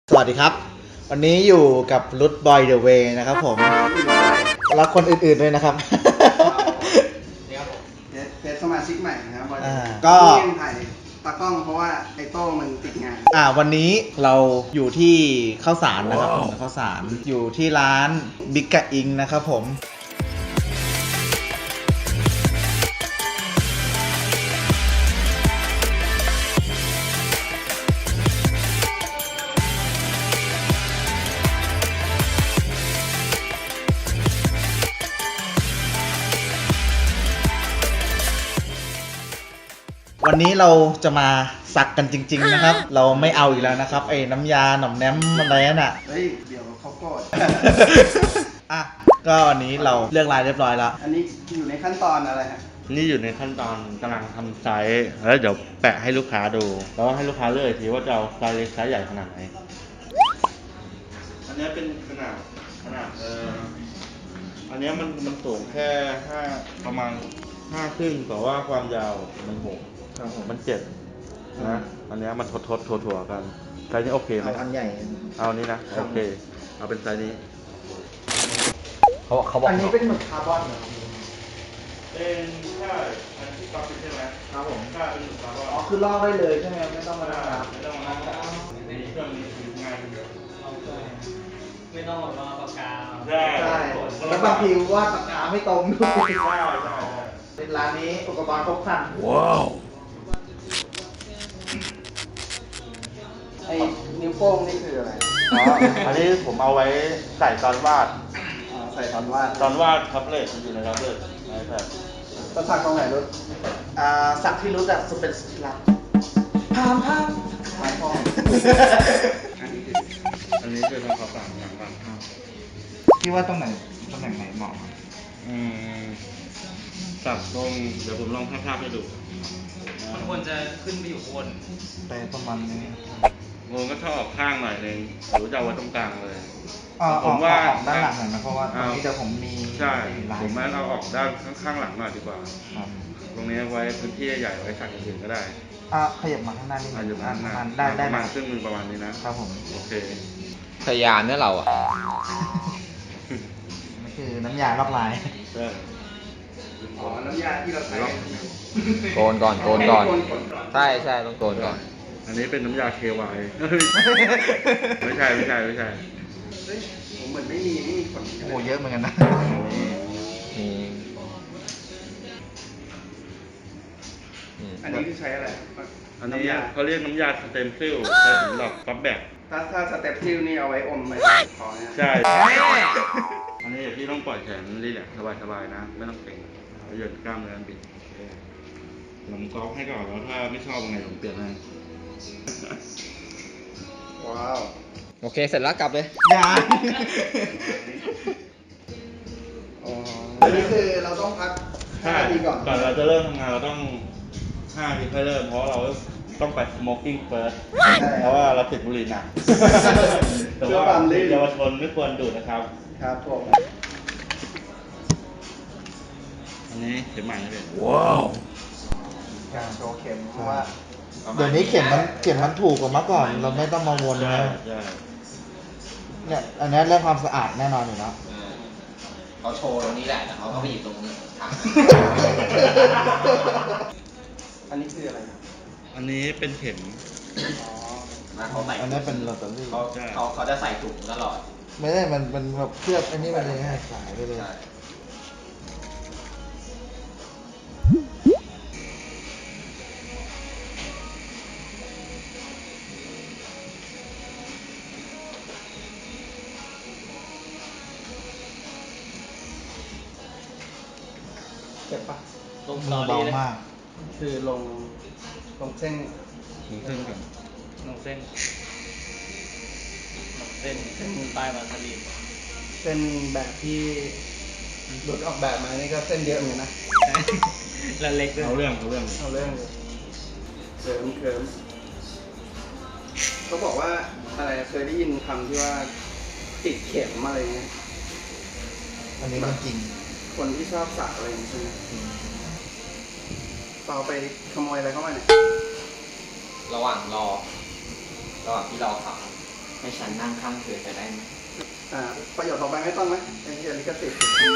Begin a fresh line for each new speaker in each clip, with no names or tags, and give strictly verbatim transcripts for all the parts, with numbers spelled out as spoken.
สวัสดีครับวันนี้อยู่กับรุดบอยเดอะเวย์นะครับผมแล้วคนอื่นๆด้วยนะครับ
เทสสมาชิกใหม่นะครับบอย
ก็
ยังถ่ายตากล้องเพราะว่าไอโต้มันติดงาน
อ่าวันนี้เราอยู่ที่ข้าวสารนะครับผมข้าวสารอยู่ที่ร้านบิ๊กกะอิงนะครับผมวันนี้เราจะมาสักกันจริงๆนะครับเราไม่เอาอีกแล้วนะครับไอ้น้ำยาหน่อมแนมอะไรนั่นอ่ะ
เฮ้ยเดี๋ยวเขาโกรธ
อ่ะก็วันนี้เราเลือกลายเรียบร้อยแล้ว
อันนี้อยู่ในขั้นตอนอะไรฮะ
นี่อยู่ในขั้นตอนกำลังทำไซส์แล้วเดี๋ยวแปะให้ลูกค้าดูแล้วให้ลูกค้าเลือกทีว่าจะเอาไซส์เล็กไซส์ใหญ่ขนาดไหนอันนี้เป็นขนาดขนาดเอออันนี้มันมันสูงแค่ห้าประมาณห้าครึ่งแต่ว่าความยาวมันหกมันเจ็ดนะอันนี้มันทดทดถั่วถั่วกันไซส์นี้โอเคไหม
เอาอันใหญ่
เอานี้นะโอเคเอาเป็นไซส์นี้เขาเขาบอก
อันนี้เป็นหมึกคาร์บอนเหรอ
เป็นใช่อันที่ก๊อปใช่ไหม
ครับผม
ใช่เป็นหมึกคาร์บอน
อ๋อคือลอกได้เลยใช่ไหมไม่ต้องมานั่งนับ
ไม่ต้องมานั่งมีเครื่องนี้คืองานเดียว
ไม่ต้องรอปากกา
ใช่
ใช่แล้วบางทีวาดปากกาไม่ตรงด้วย
ใช่ใช่ใช่
เป็นร้านนี้อุปกรณ์ครบครัน
ว้าว
ไอ้นิ้วโป้งนี่คืออะไร
อ๋ออันนี้ผมเอาไว้ใส่ตอนวาด
อ๋อใส่ตอนวาด
ตอนวาดทับเล็ตมันอยู่ในทับเล็ตไอแพด
ก็สักตรงไหนรถ
อ่าสักที่รู้จักสุดเป็นสุดที่รักพามพาม
ไม้พองอันนี้คือ
อันนี้คือทำความสะอาดหลังบ้าน
คิดว่าตรงไหนตำแหน่งไหนเหมาะ
อืมสับตรงเดี๋ยวผมลองภาพๆให้ดู
มันควรจะขึ้นไปอยู่บน
ไปประมาณนี้
งงก็ชอบออกข้างหน่อยนึงหรือจะเอาไว้ตรงกลางเลย
อ๋อ
ผมว่า
ออกด้านหลังหน่อยนะเพราะว่าตรงนี้เดี๋ยวผมมี
ใช่
ลาย
ผมว่าเราออกด้านข้างๆหลังหน่อยดีกว่า
ครับ
ตรงนี้ไว้พื้นที่ใหญ่ไว้สักอย่างอื่นก็ได้
อ่ะขยับมาข้างหน้านิดนึ
อาจ
ง
จะประ
อ่ะ
มาณ
ได้ได้
ประมาณ
ได้
ครึ่งหนึงประมาณนี้นะครับ
ผม
โอเค
ทะยานเนี่ยเราอ่ะ
นี่คือน้ำยาลอกลาย
ใช่
อ๋อน้ำยาที่เราใช้
โกนก่อนโกนก่อน
โกนก่อน
ใช่ใช่ต้องโกนก่อน
อันนี้เป็นน้ำยา เค วาย ไม่ใช่ไม่ใช่ไม่ใช่
เฮ้ยผมเหมือนไม่มีไม่มีขน
โอ้โหเยอะเหมือนกันนะ
มีนี่
อันนี้คือใช้อะไร
อันนี้
ำยา
เขาเรียกน้ำยาสเต็มเซลล์ใช้สำหรับก๊อปแบก
ถ้าถ้าสเต็ปซิลนี่เอาไว้อมไปคอเนี่ย
ใช่ อันนี้พี่ต้องปล่อยแขนรีแลกซ์สบายๆนะ ไม่ต้องเกร็งเอาเหยินกล้ามเนื้อบิดโอเคผมก๊อปให้ก่อนแล้วถ้าไม่ชอบยังไงผมเปลี่ยนให้
ว้าว
โอเคเสร็จแล้วกลับเลย
ยา
อ๋ออันนี้คือเราต้องพักห้า
ใช่
นาทีก่อน
ก่อนเราจะเริ่มทำงานเราต้องห้านาทีค่อยเริ่มเพราะเราต้องไป smoking first เพราะว่าเราติดบุหรี่หนักแต่ว่าเยาวชนไม่ควรดูดนะครับ
ครับผม
อันนี้เข็มใหม่นะพี่
การโชว์เข็มเพราะว่าเดี๋ยวนี้เข็มมันเข็มมันถูกกว่าเมื่อก่อน เราไม่ต้องมาวน
ใช่
นะ
ใช่
เนี่ยอันนี้เรื่องความสะอาดแน่นอนอยู่แล้ว
เขาโชว์ตรงนี้แหละแต่เขาก็ไปอยู่ตรงนี้ทาง
อันนี้คืออะไรครับ
อันนี้เป็นเข็ม
อ๋อ
มาเขาใส่
อันนี้เป็นลอตเตอรี่
เขาเขาเขาจะใส่ถุงตลอด
ไม่ได้มันมันแบบเคลือบอันนี้มันเลยให้สายไปเลย
ใช่
เจ็บปะ
ลง
มือเบามาก
คือลงลงเส้น
ถึงเส้นก่อน
ลงเส้นลงเส้นเส้นปลายวาซาบิน
เส้นแบบที่รถออกแบบมานี่ก็เส้นเยอะเหมือนกันนะ
แล้วเล็กด้วย
เอาเรื่องเอาเรื่อง
เอาเรื่องเลยเคิร์มเคิร์มเขาบอกว่าอะไรเคยได้ยินคำที่ว่าติดเข็มอะไรเงี้ย
อันนี้มันจริง
คนที่ชอบสักอะไรอย่างเงี้ยใช่ไหมเปล่าไปขโมยอะไรเข้ามาเนี่ย
ระหว่างรอ ระหว่างที่รอขับให้ฉันนั่งข้างเธอจะได้ไหม
อ่าประโยชน์ต่อไปไม่ต้องไหมเป็นเรื่องลิขสิทธิ์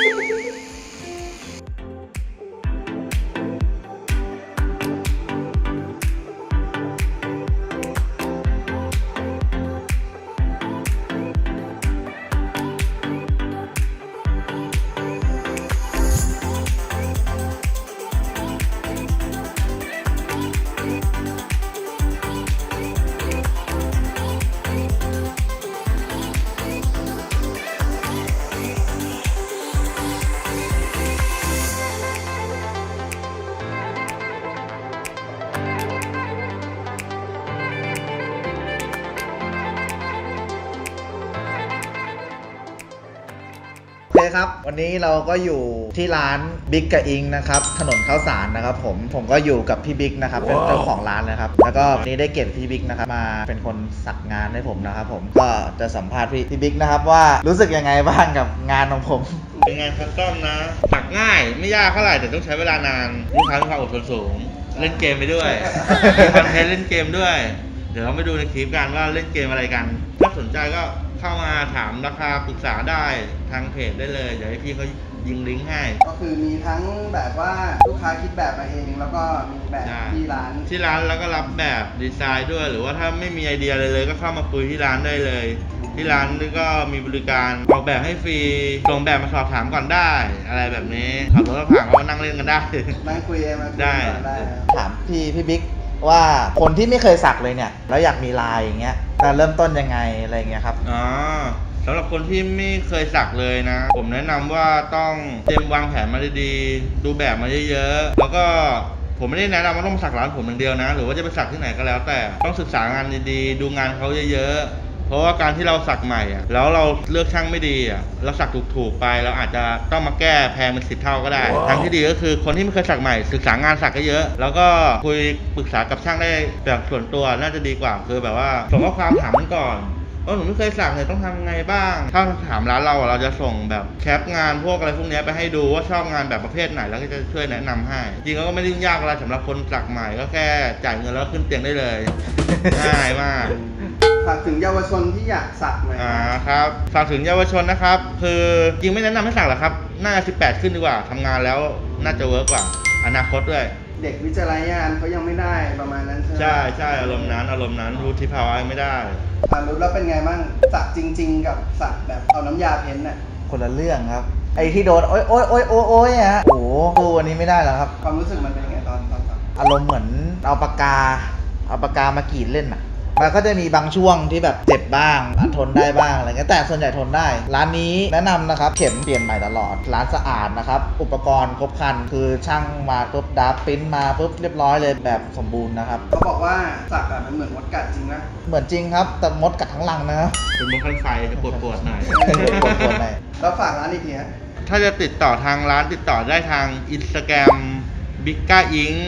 โอเคครับ วันนี้เราก็อยู่ที่ร้านบิ๊กกับอิงนะครับ ถนนข้าวสารนะครับผม ผมก็อยู่กับพี่บิ๊กนะครับ เป็นเจ้าของร้านนะครับ แล้วก็วันนี้ได้เกียรติพี่บิ๊กนะครับมาเป็นคนสักงานให้ผมนะครับผม ก็จะสัมภาษณ์พี่พี่บิ๊กนะครับว่ารู้สึกยังไงบ้างกับงานของผม
เป็นงานคัสตอมนะสักง่ายไม่ยากเท่าไหร่แต่ต้องใช้เวลานานลูกค้ามีความอดทนสูง เล่นเกมไปด้วยมีคอนเทนต์เล่นเกมด้วย เดี๋ยวเราไปดูในคลิปกันว่าเล่นเกมอะไรกันถ้าสนใจก็เข้ามาถามราคาปรึกษาได้ทางเพจได้เลยเดี๋ยวให้พี่เขายิงลิงก์ให้
ก็คือมีทั้งแบบว่าลูกค้าคิดแบบมาเองแล้วก็มีแบบที่ร้าน
ที่ร้านแล้วก็รับแบบดีไซน์ด้วย หรือว่าถ้าไม่มีไอเดียอะไรเลยก็เข้ามาคุยที่ร้านได้เลย ที่ร้านนี่ก็มีบริการออกแบบให้ฟรีส่งแบบมาสอบถามก่อนได้ อะไรแบบนี้ขับรถผ่านก็นั่งเล่นกันได้
นั่งคุยเองมาคุย
ได้
ก่อนได้นะ
ถามพี่พี่บิ๊กว่าคนที่ไม่เคยสักเลยเนี่ย แล้วอยากมีลายอย่างเงี้ยจะเริ่มต้นยังไงอะไรเงี้ยครับ
อ๋อสำหรับคนที่ไม่เคยสักเลยนะ ผมแนะนำว่าต้องเตรียมวางแผนมาดีๆดูแบบมาเยอะๆแล้วก็ผมไม่ได้แนะนำว่าต้องมาสักร้านผมอย่างเดียวนะ หรือว่าจะไปสักที่ไหนก็แล้ว แต่ต้องศึกษางานดีๆดูงานเขาเยอะๆเพราะว่าการที่เราสักใหม่อ่ะแล้วเราเลือกช่างไม่ดีอ่ะเราสักถูกๆไปเราอาจจะต้องมาแก้แพงเป็นสิบเท่าก็ได้ ทางที่ดีก็คือคนที่ไม่เคยสักใหม่ศึกษางานสักก็เยอะ แล้วก็คุยปรึกษากับช่างได้แบบส่วนตัวน่าจะดีกว่าคือแบบว่าส่งข้อความถามมันก่อนเออหนูไม่เคยสักเนี่ยต้องทำไงบ้าง ถ้าถามร้านเราอะเราจะส่งแบบแคปงานพวกอะไรพวกเนี้ยไปให้ดูว่าชอบงานแบบประเภทไหนแล้วก็จะช่วยแนะนำให้ จริงๆก็ไม่ได้ยุ่งยากอะไรสำหรับคนสักใหม่ก็แค่จ่ายเงินแล้วขึ้นเตียงได้เลย ง่ายมาก
ฝากถึงเยาวชนที่อยากสักหน่อย
อ่าครับฝากถึงเยาวชนนะครับ คือจริงไม่แนะนำให้สักหรอกครับ น่าจะสิบแปดขึ้นดีกว่าทำงานแล้วน่าจะเวิร์กกว่า อนาคตด้วย
เด็กวิจารณญาณเขายังไม่ได้ประมาณนั้นใช่ไหม
ใช่ใช่อารมณ์นั้นอารมณ์นั้นรู้ที่ภาวะไม่ได้
อ่ารู้แล้วเป็นไงบ้างสักจริง ๆ กับสักแบบเอาน้ำยาเพ้นท์น่ะ
คนละเรื่องครับ ไอ้ที่โดนโอ๊ยโอ๊ยโอ๊ยโอ๊ยโอ๊ยอะฮะโอ้โหดูอันนี้ไม่ได้แล้วครับ
ความรู้สึกมันเป็นยังไงตอนตอนสัก
อารมณ์เหมือนเอาปากกา เอาปากกามากรีดเล่นอ่ะ มันก็จะมีบางช่วงที่แบบเจ็บบ้างทนได้บ้างอะไรเงี้ยแต่ส่วนใหญ่ทนได้ ร้านนี้แนะนำนะครับ เข็มเปลี่ยนใหม่ตลอด ร้านสะอาดนะครับ อุปกรณ์ครบครัน คือช่างมาปุ๊บดับปริ้นมาปุ๊บเรียบร้อยเลยแบบสมบูรณ์นะครับ
เขาบอกว่าสักอะมันเหมือนมดกัดจริงนะ
เหมือนจริงครับ แต่มดกัดทั้งรังนะครับ
เป็นมุกขั้นไฟจะปวดปวดๆหน่อย
ปวดๆหน่อย
แล้วฝากร้านอีกทีฮะ
ถ้าจะติดต่อทางร้านติดต่อได้ทางอินสตาแกรมบิ๊กก้าอิง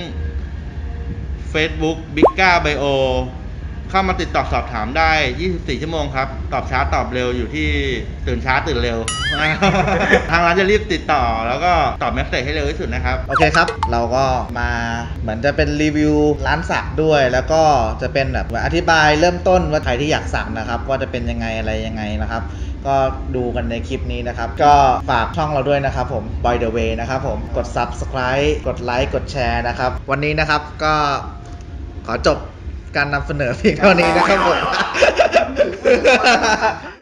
Facebook บิ๊กก้าไบโอเข้ามาติดต่อสอบถามได้ยี่สิบสี่ชั่วโมงครับ ตอบช้าตอบเร็วอยู่ที่ตื่นช้าตื่นเร็ว ทางร้านจะรีบติดต่อแล้วก็ตอบเมสเซจให้เร็วที่สุดนะครับ
โอเคครับ เราก็มาเหมือนจะเป็นรีวิวร้านสักด้วย แล้วก็จะเป็นแบบอธิบายเริ่มต้นว่าใครที่อยากสักนะครับว่าจะเป็นยังไงอะไรยังไงนะครับ ก็ดูกันในคลิปนี้นะครับ ก็ฝากช่องเราด้วยนะครับผม By the way นะครับผมกด Subscribe กดไลค์กดแชร์นะครับ วันนี้นะครับก็ขอจบการนำเสนอเพียงเท่านี้นะครับผม